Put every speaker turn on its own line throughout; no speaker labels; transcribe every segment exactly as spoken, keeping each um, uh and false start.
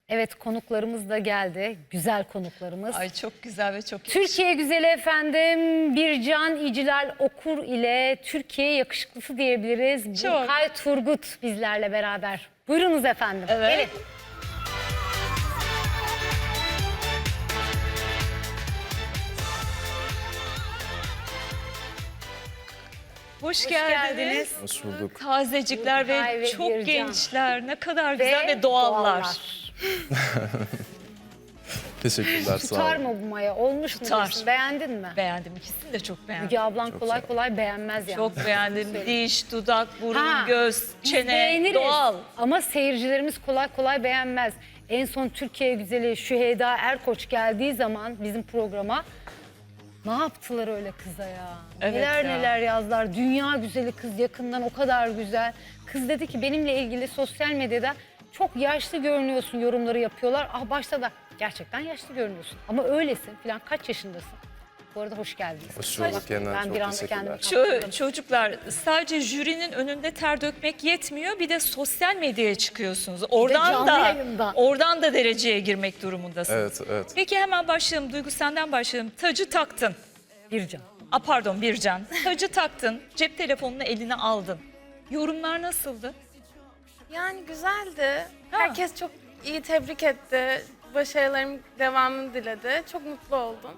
Evet, konuklarımız da geldi. Güzel konuklarımız.
Ay çok güzel ve çok
Türkiye güzeli efendim Bircan İcilal Okur ile Türkiye yakışıklısı diyebiliriz.
Çok.
Burkay Turgut bizlerle beraber. Buyurunuz efendim.
Evet.
Gelin.
Hoş,
Hoş
geldiniz.
geldiniz.
Hoş bulduk.
Tazecikler
Burkay
ve,
ve
çok
Bircan.
gençler. Ne kadar güzel ve, doğallar.
Teşekkürler, sağ
Tutar
olun.
mı bu maya? Olmuş mu?
Tutar.
diyorsun? Beğendin mi?
Beğendim. İkisini de çok beğendim.
Müge ablan
Çok
kolay
sağ ol.
kolay beğenmez yani.
Çok beğendim. Diş, dudak, burun,
Ha,
göz,
Biz
çene,
beğeniriz
doğal.
ama seyircilerimiz kolay kolay beğenmez. En son Türkiye güzeli Şüheyda Erkoç geldiği zaman bizim programa ne yaptılar öyle kıza ya?
Evet
neler
ya.
neler yazdılar. Dünya güzeli kız, yakından o kadar güzel. Kız dedi ki benimle ilgili sosyal medyada çok yaşlı görünüyorsun yorumları yapıyorlar. Ah başta da gerçekten yaşlı görünüyorsun ama öylesin falan, kaç yaşındasın? Bu arada hoş geldiniz.
Hoş bulduk yeniden,
Ben
çok
bir anda
teşekkürler.
kendimi
Ço- çocuklar sadece jürinin önünde ter dökmek yetmiyor. Bir de sosyal medyaya çıkıyorsunuz. Oradan
canlı
da
yayında.
oradan da dereceye girmek durumundasınız.
Evet, evet.
Peki hemen başlayalım. Duygu senden başlayalım. Tacı taktın.
Bircan.
A pardon Bircan. Tacı taktın. Cep telefonunu eline aldın. Yorumlar nasıldı?
Yani güzeldi. Herkes çok iyi tebrik etti. Başarılarım devamını diledi. Çok mutlu oldum.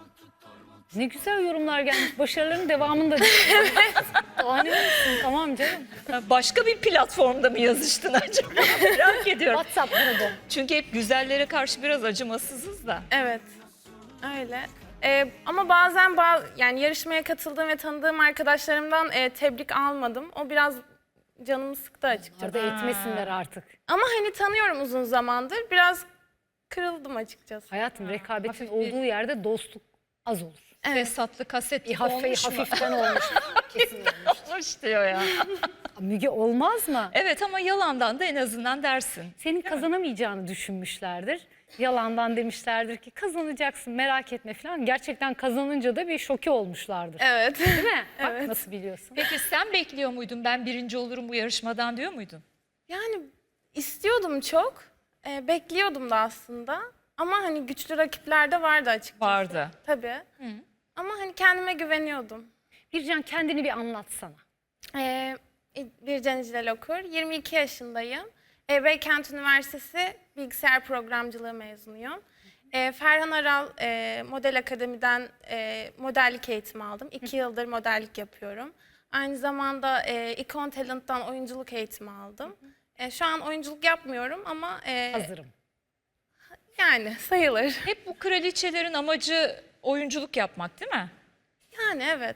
Ne güzel yorumlar gelmiş. Başarıların devamını da diliyorum. Daha ne olsun, tamam canım.
Başka bir platformda mı yazıştın acaba? Merak ediyorum.
WhatsApp grubu.
Çünkü hep güzellere karşı biraz acımasızız da.
Evet. Öyle. Ee, ama bazen ba- yani yarışmaya katıldığım ve tanıdığım arkadaşlarımdan e, tebrik almadım. O biraz canımı sıktı açıkçası.
Orada etmesinler artık.
Ama hani tanıyorum uzun zamandır. Biraz kırıldım açıkçası.
Hayatım, rekabetin
hafif bir-
olduğu yerde dostluk az olur.
Fesatlı kaset
Bir
gibi
hafif,
olmuş mu?
hafiften olmuş. Kesin olmuş.
Olmuş diyor ya.
Müge olmaz mı?
Evet ama yalandan da en azından dersin.
Senin kazanamayacağını düşünmüşlerdir. Yalandan demişlerdir ki kazanacaksın, merak etme falan. Gerçekten kazanınca da bir şoke olmuşlardır.
Evet.
Değil mi? Bak
Evet.
nasıl biliyorsun.
Peki sen bekliyor muydun ben birinci olurum bu yarışmadan diyor muydun?
Yani istiyordum çok. Ee, bekliyordum da aslında. Ama hani güçlü rakipler de vardı açıkçası.
Vardı.
Tabii. Ama hani kendime güveniyordum.
Bircan, kendini bir anlatsana.
Ee, Bircan İcilal Okur, yirmi iki yaşındayım. Ee, Beykent Üniversitesi Bilgisayar Programcılığı mezunuyum. Ee, Ferhan Aral e, Model Akademi'den e, modellik eğitimi aldım. İki yıldır modellik yapıyorum. Aynı zamanda e, Icon Talent'tan oyunculuk eğitimi aldım. E, şu an oyunculuk yapmıyorum ama e,
Hazırım.
yani sayılır.
Hep bu kraliçelerin amacı oyunculuk yapmak değil mi?
Yani evet.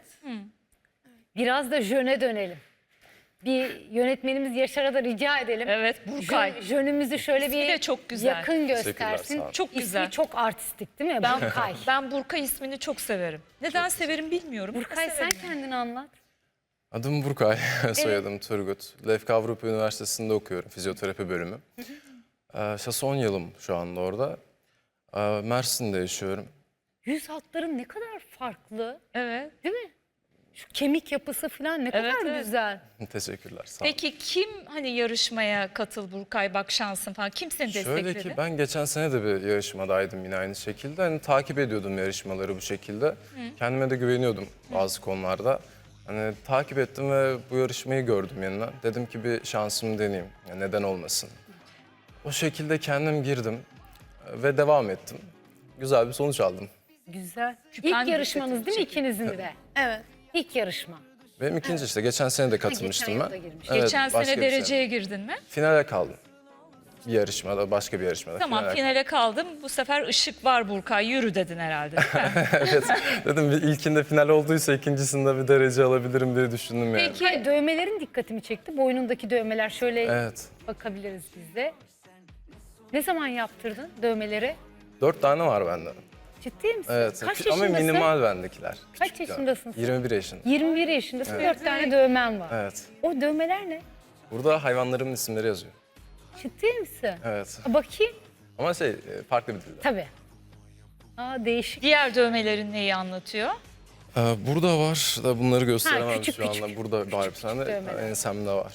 Biraz da jöne dönelim. Bir yönetmenimiz Yaşar'a da rica edelim.
Evet Burkay.
Jön- Jönümüzü şöyle
İsmi
bir
de çok güzel.
yakın
Teşekkürler,
göstersin.
sağ olun.
Çok
İsmi
güzel.
çok artistik değil mi?
Ben,
Burkay.
ben Burkay ismini çok severim. Neden severim bilmiyorum.
Burkay,
ama
sen
severim.
kendini anlat.
Adım Burkay, soyadım Turgut. Lefka Avrupa Üniversitesi'nde okuyorum, fizyoterapi bölümü. Ee, son yılım şu anda orada. Ee, Mersin'de yaşıyorum.
Yüz hatların ne kadar farklı,
Evet.
değil mi? Şu kemik yapısı falan ne
Evet,
kadar
evet.
güzel.
Teşekkürler, sağ olun.
Peki kim hani yarışmaya katıl Burkay bak şansın falan kim seni
Şöyle
destekledi?
ki ben geçen sene de bir yarışmadaydım yine aynı şekilde. Hani takip ediyordum yarışmaları bu şekilde. Kendime de güveniyordum bazı konularda. Hani takip ettim ve bu yarışmayı gördüm yeniden. Dedim ki bir şansımı deneyeyim. Ya neden olmasın? O şekilde kendim girdim ve devam ettim. Güzel bir sonuç aldım.
Güzel.
Küpen
İlk yarışmanız
dikkatimi
değil mi
çekiyor.
ikinizin de?
Evet.
İlk yarışma.
Benim ikinci işte. Geçen sene de katılmıştım
yıl
ben.
da girmiş.
Geçen
başka
sene
bir
dereceye girdin mi?
Finale kaldım. Bir yarışmada, başka bir yarışmada.
Tamam
finale
finale kaldım. Bu sefer ışık var Burkay yürü dedin herhalde değil mi?
Evet. Dedim bir ilkinde final olduysa ikincisinde bir derece alabilirim diye düşündüm yani.
Peki
Ay, dövmelerin dikkatimi çekti. Boynundaki dövmeler şöyle
Evet.
bakabiliriz biz de. Ne zaman yaptırdın dövmeleri?
Dört tane var bende.
Ciddi misin?
Evet.
Kaç
Ama
yaşındasın?
minimal bendekiler.
Kaç
Küçük
yaşındasın sen?
yirmi bir yaşındayım.
yirmi bir yaşındasın. Dört tane dövmen var.
Evet.
O dövmeler ne?
Burada hayvanlarımın isimleri yazıyor.
Ciddi misin?
Evet.
Aa, bakayım.
Ama şey e, farklı bir dilde.
Tabii. Aa, değişik.
diğer dövmelerin neyi anlatıyor?
Ee, burada var da bunları gösteremem
küçük
şu anda.
küçük.
Burada var bir tane de
dövmeler.
ensemde var.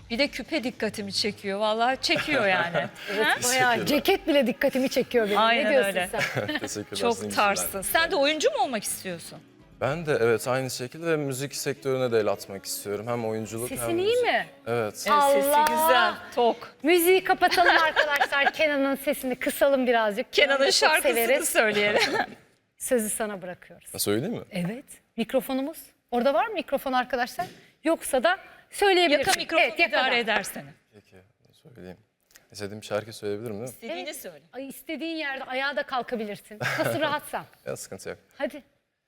Bir de küpe dikkatimi çekiyor. Vallahi çekiyor yani.
Evet, bayağı ceket bile dikkatimi çekiyor benim.
Aynen
ne diyorsun
öyle.
sen?
Teşekkürler. sizin
Çok
için
tarzsın. Sen de oyuncu mu olmak istiyorsun?
Ben de evet aynı şekilde ve müzik sektörüne de el atmak istiyorum. Hem oyunculuk hem
Sesin iyi
müzik.
mi?
Evet.
Sesi
Allah!
güzel, tok.
Müziği kapatalım arkadaşlar. Kenan'ın sesini kısalım birazcık. Kenan'ı
Kenan'ın
çok
şarkısını
severiz.
söyleyelim.
Sözü sana bırakıyoruz.
Ha, söyleyeyim mi?
Evet. Mikrofonumuz. Orada var mı mikrofon arkadaşlar? Yoksa da söyleyebilirsin.
Yaka mikrofonu
Evet, yakada.
idare eder seni.
Peki söyleyeyim. İstediğim şarkı söyleyebilirim değil mi?
İstediğini söyle.
Ay, istediğin yerde ayağa da kalkabilirsin. Nasıl rahatsan.
Ya sıkıntı yok.
Hadi.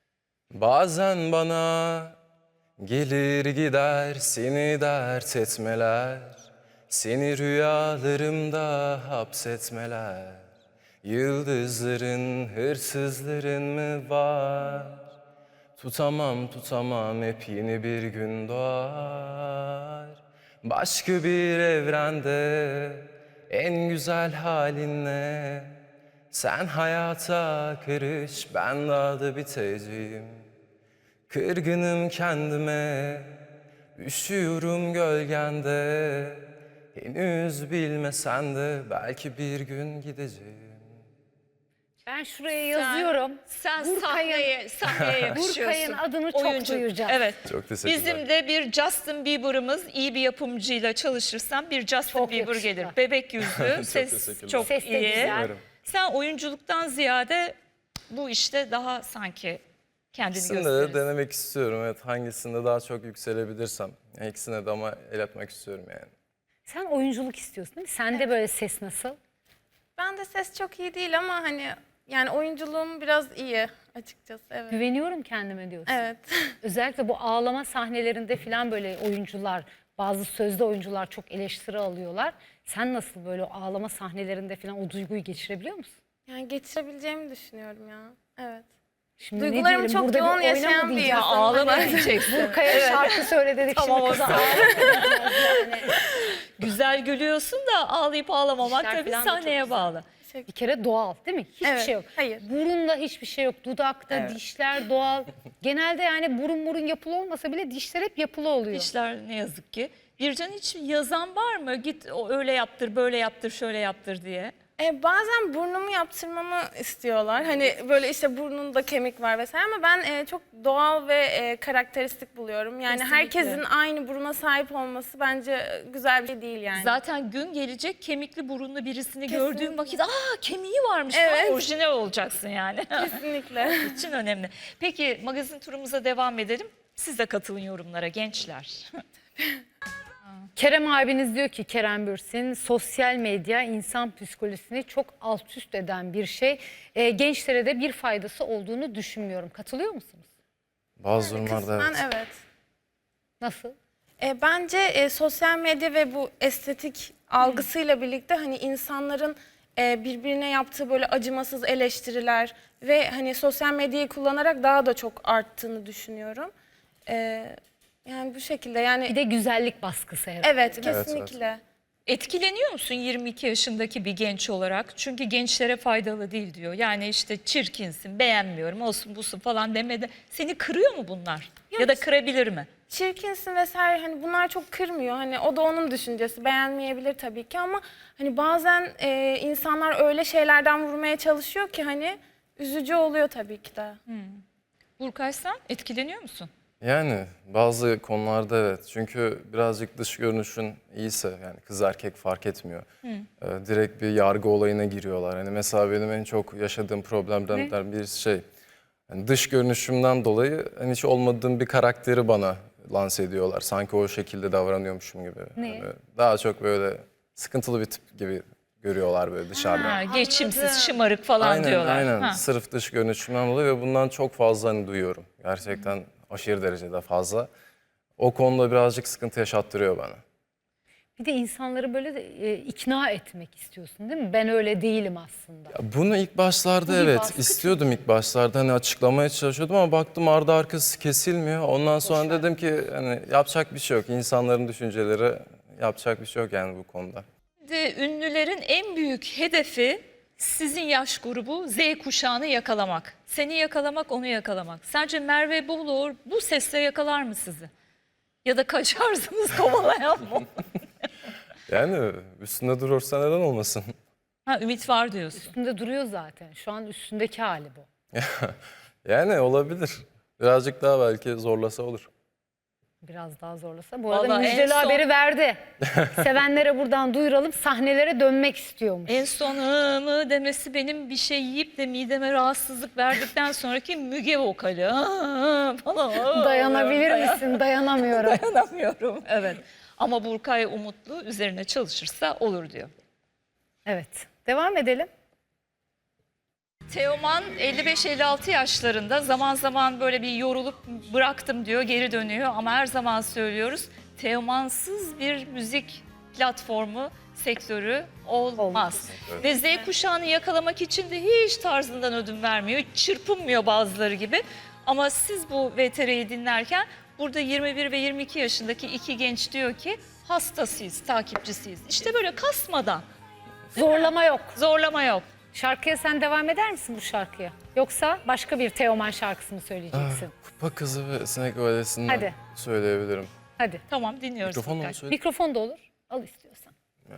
Bazen bana gelir gider seni dert etmeler, seni rüyalarımda hapsetmeler. Yıldızların, hırsızların mı var? Tutamam tutamam hep yeni bir gün doğar. Başka bir evrende en güzel halinle sen hayata karış, ben daha da biteceğim. Kırgınım kendime, üşüyorum gölgende. Henüz bilmesen de belki bir gün gideceğim.
Ben şuraya yazıyorum.
Sen
Burkay'ın-
sahneye, sahneye yakışıyorsun.
Burkay'ın adını çok
Oyuncu.
duyacağız.
Evet.
Çok teşekkürler.
Bizim de bir Justin Bieber'ımız iyi bir yapımcıyla çalışırsam bir Justin
Çok
Bieber
yakışıklı.
gelir. Bebek yüzlü, ses
teşekkürler.
çok
Ses de
iyi.
güzel.
Umarım.
Sen oyunculuktan ziyade bu işte daha sanki kendini
İkisini de
gösterirsin.
denemek istiyorum. Evet, hangisinde daha çok yükselebilirsem. Yani ikisine de ama el atmak istiyorum yani.
Sen oyunculuk istiyorsun değil mi? Sende böyle ses nasıl?
Ben de ses çok iyi değil ama hani yani oyunculuğum biraz iyi açıkçası. Evet.
Güveniyorum kendime diyorsun.
Evet.
Özellikle bu ağlama sahnelerinde falan böyle oyuncular, bazı sözde oyuncular çok eleştiri alıyorlar. Sen nasıl böyle ağlama sahnelerinde falan o duyguyu geçirebiliyor musun?
Yani geçirebileceğimi düşünüyorum ya. Evet.
Şimdi ne
Duygularımı
diyelim,
çok
burada bir
yoğun
oynama
yaşayan bir
diyeceğim.
insanım.
Ağlama
Hani-
diyeceksin.
Burkaya şarkı söyle dedik
Tamam,
şimdi
o
kıza
zaman.
ağlamayacağız yani.
Güzel gülüyorsun da ağlayıp ağlamamak
İşler
tabii
falan da çok
sahneye
güzel.
bağlı.
Bir kere doğal değil mi? Hiçbir
Evet,
şey yok.
hayır.
Burunda hiçbir şey yok. Dudakta,
Evet.
dişler doğal. Genelde yani burun burun yapılı olmasa bile dişler hep yapılı oluyor.
İşler ne yazık ki. Bircan hiç yazan var mı? Git o öyle yaptır, böyle yaptır, şöyle yaptır diye.
E, bazen burnumu yaptırmamı istiyorlar. Hani böyle işte burnunda kemik var vesaire ama ben e, çok doğal ve e, karakteristik buluyorum. Yani
Kesinlikle.
herkesin aynı buruna sahip olması bence e, güzel bir şey değil yani.
Zaten gün gelecek kemikli burunlu birisini
Kesinlikle.
gördüğün vakit aa kemiği varmış
Evet.
falan orijinal olacaksın yani.
Kesinlikle.
için önemli. Peki magazin turumuza devam edelim. Siz de katılın yorumlara gençler.
Kerem abiniz diyor ki Kerem Bürsin, sosyal medya insan psikolojisini çok alt üst eden bir şey. E, gençlere de bir faydası olduğunu düşünmüyorum. Katılıyor musunuz?
Bazı durumlarda
Kısmen
evet.
evet.
Nasıl?
E, bence e, sosyal medya ve bu estetik algısıyla birlikte hani insanların e, birbirine yaptığı böyle acımasız eleştiriler ve hani sosyal medyayı kullanarak daha da çok arttığını düşünüyorum. E, yani bu şekilde yani
Bir de güzellik baskısı herhalde.
evet
Evet, evet.
kesinlikle.
Etkileniyor musun yirmi iki yaşındaki bir genç olarak? Çünkü gençlere faydalı değil diyor. Yani işte çirkinsin, beğenmiyorum, olsun busun falan demede. Seni kırıyor mu bunlar? Ya da kırabilir mi?
Çirkinsin vesaire hani bunlar çok kırmıyor. Hani o da onun düşüncesi. Beğenmeyebilir tabii ki ama hani bazen e, insanlar öyle şeylerden vurmaya çalışıyor ki hani üzücü oluyor tabii ki de.
Burkay sen etkileniyor musun?
Yani bazı konularda evet. Çünkü birazcık dış görünüşün iyiyse yani kız erkek fark etmiyor. Ee, direkt bir yargı olayına giriyorlar. Hani mesela benim en çok yaşadığım problemlerden bir şey. Yani dış görünüşümden dolayı hani hiç olmadığım bir karakteri bana lanse ediyorlar. Sanki o şekilde davranıyormuşum gibi.
Ne?
Yani daha çok böyle sıkıntılı bir tip gibi görüyorlar böyle dışarıdan.
Ha, geçimsiz,
anladım.
şımarık falan
Aynen
diyorlar.
aynen.
Ha.
Sırf dış görünüşümden dolayı ve bundan çok fazla hani duyuyorum. Gerçekten aşırı derecede fazla. O konuda birazcık sıkıntı yaşattırıyor bana.
Bir de insanları böyle de, e, ikna etmek istiyorsun değil mi? Ben öyle değilim aslında.
Ya bunu ilk başlarda
Bu bir
evet
baskı
istiyordum ilk başlarda hani açıklamaya çalışıyordum ama baktım ardı arkası kesilmiyor. Ondan sonra
Boş ver.
dedim ki hani yapacak bir şey yok. İnsanların düşünceleri yapacak bir şey yok yani bu konuda.
Şimdi ünlülerin en büyük hedefi sizin yaş grubu Z kuşağını yakalamak. Seni yakalamak, onu yakalamak. Sence Merve Boluğur bu sesle yakalar mı sizi? Ya da kaçarsınız kovalayan mı?
Yani üstünde durursa neden olmasın?
Ha, ümit var diyorsun.
Üstünde duruyor zaten. Şu an üstündeki hali bu.
Yani olabilir. Birazcık daha belki zorlasa olur.
Biraz daha zorlasa. Bu arada
Vallahi en
müjdeli
son-
haberi verdi. Sevenlere buradan duyuralım. Sahnelere dönmek istiyormuş.
En son "Hı" mı demesi benim bir şey yiyip de mideme rahatsızlık verdikten sonraki Müge vokali. "Hı" falan.
Dayanabilir
Dayan-
misin? Dayanamıyorum.
Dayanamıyorum. Evet. Ama Burkay umutlu, üzerine çalışırsa olur diyor.
Evet. Devam edelim.
Teoman elli beş elli altı yaşlarında, zaman zaman böyle bir yorulup bıraktım diyor, geri dönüyor ama her zaman söylüyoruz, Teomansız bir müzik platformu, sektörü olmaz.
Olmaz.
Ve Z kuşağını yakalamak için de hiç tarzından ödün vermiyor, hiç çırpınmıyor bazıları gibi. Ama siz bu V T R'yi dinlerken burada yirmi bir ve yirmi iki yaşındaki iki genç diyor ki hastasıyız, takipçisiyiz. İşte böyle kasmadan,
Zorlama yok.
zorlama yok.
Şarkıya sen devam eder misin bu şarkıya? Yoksa başka bir Teoman şarkısı mı söyleyeceksin?
Kupa Kızı ve Sinek Valesi'nden
Hadi.
söyleyebilirim.
Hadi.
Tamam, dinliyoruz.
Mikrofon
Burkay.
mu söyle?
Mikrofon da olur. Al istiyorsan.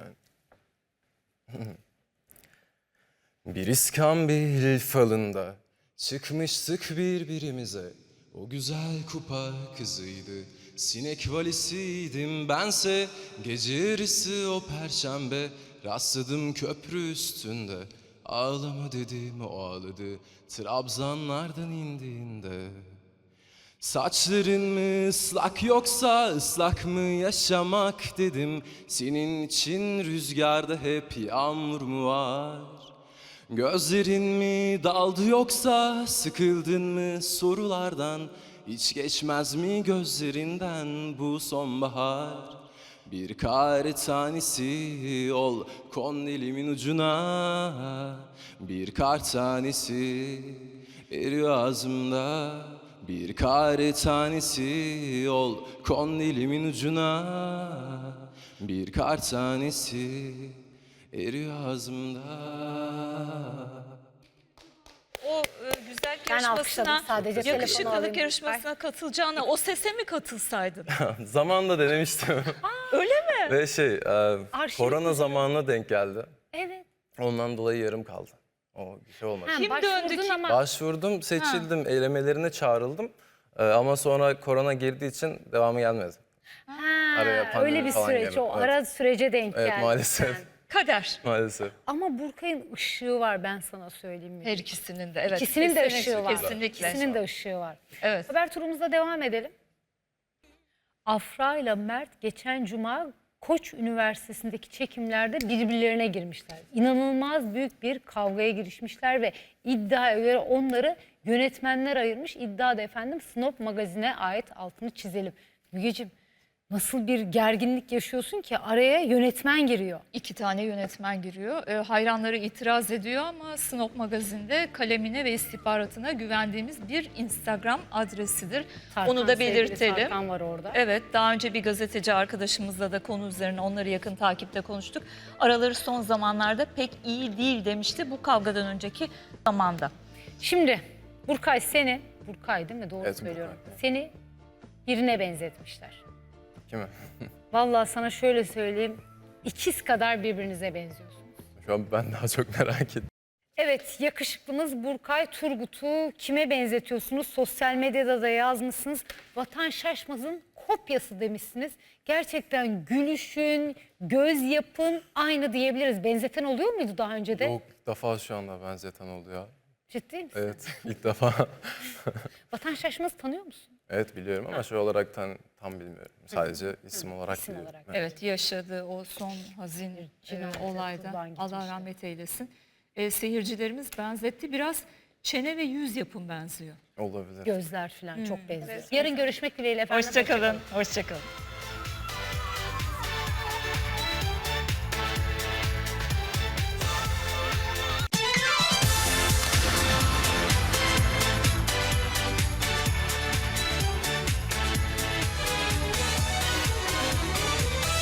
Bir iskambil falında çıkmıştık birbirimize. O güzel kupa kızıydı, sinek valisiydim bense. Gece yarısı o perşembe rastladım köprü üstünde. Ağlama dedim, o ağladı Trabzanlardan indiğinde. Saçların mı ıslak yoksa ıslak mı yaşamak dedim. Senin için rüzgarda hep yağmur mu var? Gözlerin mi daldı yoksa sıkıldın mı sorulardan? Hiç geçmez mi gözlerinden bu sonbahar? Bir kar tanesi ol, kon elimin ucuna. Bir kar tanesi eriyor ağzımda. Bir kar tanesi ol, kon elimin ucuna. Bir kar tanesi eriyor ağzımda.
O e, güzel
Ben alkışladım
yarışmasına,
sadece, telefonu
yakışıklılık
alayım.
yarışmasına katılacağına o sese mi katılsaydın?
Zamanında denemiştim.
Öyle mi?
Ve şey, e,
Arşiv
korona
kutusu.
zamanına denk geldi.
Evet.
Ondan dolayı yarım kaldı. O bir şey olmadı.
Ha,
Kim
başvurdun
döndü, kim-
ama
Başvurdum, seçildim, elemelerine çağrıldım. E, ama sonra korona girdiği için devamı gelmedi.
ha,
Araya pandemi
öyle bir
falan
süreç.
geldi.
O
Evet.
ara sürece denk
Evet,
geldi.
maalesef.
Kader.
Maalesef.
Ama Burkay'ın ışığı var, ben sana söyleyeyim. mi?
Her ikisinin de, evet.
İkisinin de
Kesinlikle,
ışığı var.
Kesinlikle.
İkisinin de ışığı var.
Evet.
Haber turumuza devam edelim. Afra ile Mert geçen cuma Koç Üniversitesi'ndeki çekimlerde birbirlerine girmişler. İnanılmaz büyük bir kavgaya girişmişler ve iddiaya göre onları yönetmenler ayırmış. İddia da efendim Snop magazine ait, altını çizelim. Mügeciğim, nasıl bir gerginlik yaşıyorsun ki araya yönetmen giriyor.
İki tane yönetmen giriyor. E, hayranları itiraz ediyor ama Snop Magazin'de kalemine ve istihbaratına güvendiğimiz bir Instagram adresidir.
Tarkan,
Onu da
sevgili
belirtelim.
Tarkan var orada.
Evet, daha önce bir gazeteci arkadaşımızla da konu üzerine onları yakın takipte konuştuk. Araları son zamanlarda pek iyi değil demişti bu kavgadan önceki zamanda.
Şimdi Burkay seni, Burkay değil mi? Doğru
Evet,
söylüyorum.
Burkay.
Seni birine benzetmişler.
Kime?
Vallahi sana şöyle söyleyeyim, ikiz kadar birbirinize benziyorsunuz.
Şu an ben daha çok merak ettim.
Evet, yakışıklımız Burkay Turgut'u kime benzetiyorsunuz? Sosyal medyada da yazmışsınız. Vatan Şaşmaz'ın kopyası demişsiniz. Gerçekten gülüşün, göz yapın aynı diyebiliriz. Benzeten oluyor muydu daha önce de?
Yok, ilk defa şu anda benzeten oluyor.
Ciddi misin?
Evet, ilk defa.
Vatan Şaşmaz'ı tanıyor musun?
Evet biliyorum ama şey olarak tam, tam bilmiyorum. Sadece isim olarak
İsim
biliyorum.
olarak.
Evet.
Evet, yaşadığı o son hazin e,
Cinayete
olayda
kurban gitmişler.
Allah rahmet eylesin. E, seyircilerimiz benzetti. Biraz çene ve yüz yapım benziyor.
Olabilir.
Gözler falan çok benziyor. Yarın görüşmek dileğiyle efendim.
Hoşçakalın. Hoşçakalın.